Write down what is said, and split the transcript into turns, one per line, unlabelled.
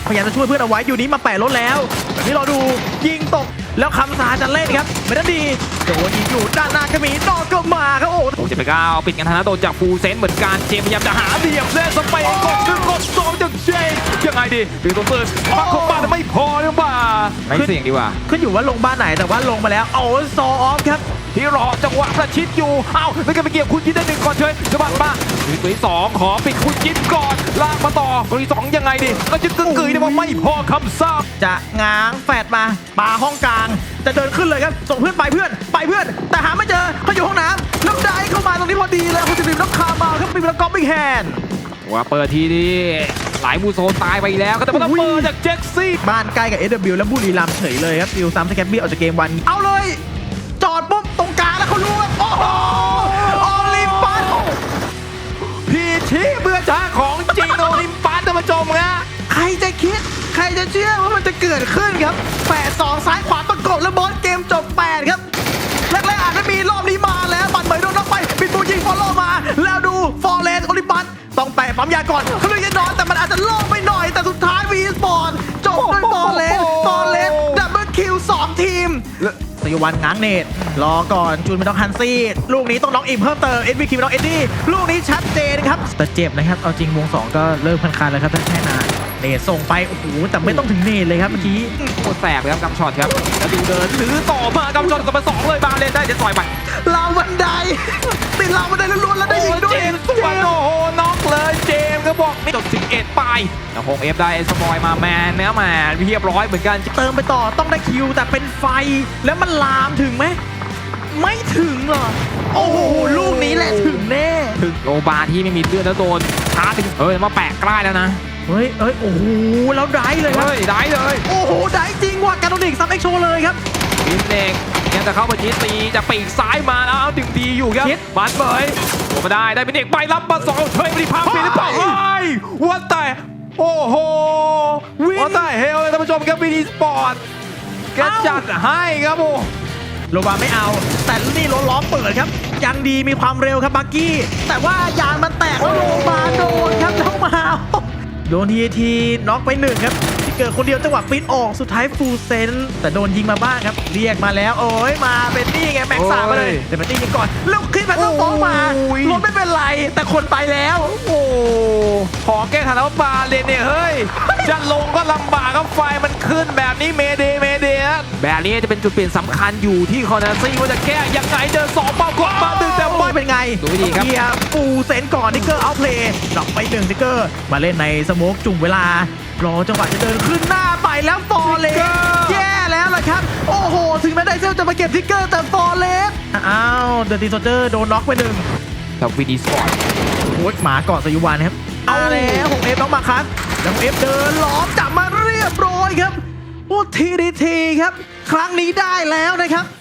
พยายามจะช่วยเพื่อนเอาไว้อยู่นี้มาแปะรถแล้วแบบนี้เราดูยิงตกแล้วคำสาจะเล่นครับไม่ได้ดีโดนยิงอยู่ด้านหน้าก็มีนอกก็มาครับโอ้
จะไปก้าวปิดกันธนาโดนจากฟูเซนเหมือนกันเจมพยายามจะหาเหลี่ยมเล่นสเปนกดดึงกดสองจากเจมยังไงดีดึงตัวเปิดมาของบ้านไม่พอหรือเปล่าไม่เสี่ยงดีกว่า
ขึ้นอยู่ว่าลงบ้านไหนแต่ว่าลงมาแล้วโอ้ซอออฟครับ
ที่รอจังหวะประชิดอยู่เอ้าแล้วก็ไปเกี่ยวคุณยินได้หนึ่งก่อนเฉยสบัดมาตัวที่สองขอปิดคุณยินก่อนลากมาต่อตัวที่สองยังไงดีก็จะกึ่งกึ่ยได้ว่าไม่พอคำซ่า
จะง้างแฟดมาปาห้องกลางจะเดินขึ้นเลยครับส่งเพื่อนไปเพื่อนแต่หาไม่เจอเขาอยู่ห้องน้ำแล้วได้เข้ามาตรงนี้พอดีเลยคุณสิริต้องคามาครับมีแล้วก็บิ๊กแฮนด์
ว่าเปิดทีนี้หลายมูโซตายไปแล้วก็แต่ว่าเปิดจากเจ็กซี่
บ้านใกล้กับ SW แล้วบุรีรัมย์เฉยเลยครับดิวซ้ำสแกปปี้ออกจากเกมวันเอาเลยจอดปุ๊บตรงกลางแล้วเขารู้ว่าโอ้โหโอลิมปัส
พีชีเบื่อช้าของจริงโอลิมปัสท่านผู้ชมฮะ
ใครจะคิดใครจะเชื่อว่ามันจะเกิดขึ้นครับ8-2ซ้ายขวาประกบแล้วบอสเกมจบ8ครับแรกๆอาจจะมีรอบนี้มาแล้วบัตรเหมยโดนน็อกไปปิดบูยิงฟอลโล่มาแล้วดูฟอร์เรสโอลิมปัสต้องแปะปั๊มยาก่อนเขาเลยจะนอนแต่มันอาจจะโล่ไปหน่อยแต่สุดท้ายวีสปอร์ตจบด้วยฟอร์เรสดับเบิลคิว2ทีมสยวันง้างเนตรอก่อนจูนไม่ต้องฮันซี่ลูกนี้ต้องน็อกอิมเพิ่มเติมเอ็ดวีคิมต้องเอ็ดดี้ลูกนี้ชัดเจนครับแต่เจ็บนะครับเอาจริงวง2ก็เริ่มคันๆแล้วครับแค่นานเนตส่งไปโอ้โหแต่ไม่ต้องถึงเนตเลยครับเมื่อกี้
โคตรแสบเลยครับกำช็อตครับแล้วดูเดินถือต่อมากำช็อตกับมา2เลยบาเลนได้จะต่อยไป
ราวบันไดติดราวบันไดล้วนๆแล้วได้ยิงด้วย
เจมส์สวนโอ้โหน็อกเลยเจมส์ก็บอกไม่จบ11ไปแต่คงเอฟได้สปอยมาแมนแล้วแมนเรียบร้อยเหมือนกัน
เติมไปต่อต้องได้คิวแต่เป็นไฟแล้วมันลามถึงไหมไม่ถึงหรอโอ้โหลูกนี้แหละถึงแน่
ถึงโลบาที่ไม่มีเลือดแล้วโดนช้าถึงมาแปะใกล้แล้วนะ
เฮ้ยโอ้โหแล้วได้เลยครับ
ได้เลย
โอ้โหได้จริงว่ะการโดนดิกซัมเอ็กโชเลยครับ
บินเด็กยังจะเข้ามาชี้ตีจะปีกซ้ายมาแล้วดึงดีอยู่ครับบันเบยโอ้มาได้บินเด็กไปรับมา2เฮ้ยไม่ได้พังเป็นหรือเปล่าวัดแต่โอ้โหวัดแต่เฮลเลยท่านผู้ชมครับวีดีสปอร์ตแกจัดให้ครับโอ้
โลบาไม่เอาแต่นี่ล้อเปิดครับยังดีมีความเร็วครับบักกี้แต่ว่ายางมันแตกแล้วโลบาโดนครับเข้ามาโดนทีน็อกไป1ครับที่เกิดคนเดียวจังหวะปิดออกสุดท้ายฟูลเซนแต่โดนยิงมาบ้างครับเรียกมาแล้วโอ้ยมาเป็นนี่ไงแม็กซ์มาเลยแต่เป็นนี่ยิงก่อนแล้วขึ้นมาต้องฟ้องมารถไม่เป็นไรแต่คนไปแล้ว
โอ้ขอแก้ขันแล้วบาเลนเนี่ยเฮ้ยจะลงก็ลำบากครับไฟมันขึ้นแบบนี้เมเดแบบนี้จะเป็นจุดเปลี่ยนสำคัญอยู่ที่คอนาซี่ว่าจะแก้ยังไงเดิน2เป้ากดมาดึงแต่ไม่
เป็นไง
ดูดีครับ
ฟูลเซนก่อนนิกเกอร์เอาเพลย์ดรอปไป1นิกเกอร์มาเล่นในสโมกจุ่มเวลารอจังหวะจะเดินขึ้นหน้าไปแล้วฟอร์เรสแย่แล้วล่ะครับโอ้โหถึงแม้ไดเซลจะมาเก็บทิกเกอร์แต่ฟอร์เรสอ้าวเดอะตีโซเจอร์โดนน็อกไป1
กับวีดีสปอร์ต
โอ้ยหมาเกาะสยุวานครับเอาแล้วของเอฟต้องมาครับแล้วเอฟเดินล้อมจับมาเรียบร้อยครับโอ้ทีครับครั้งนี้ได้แล้วนะครับ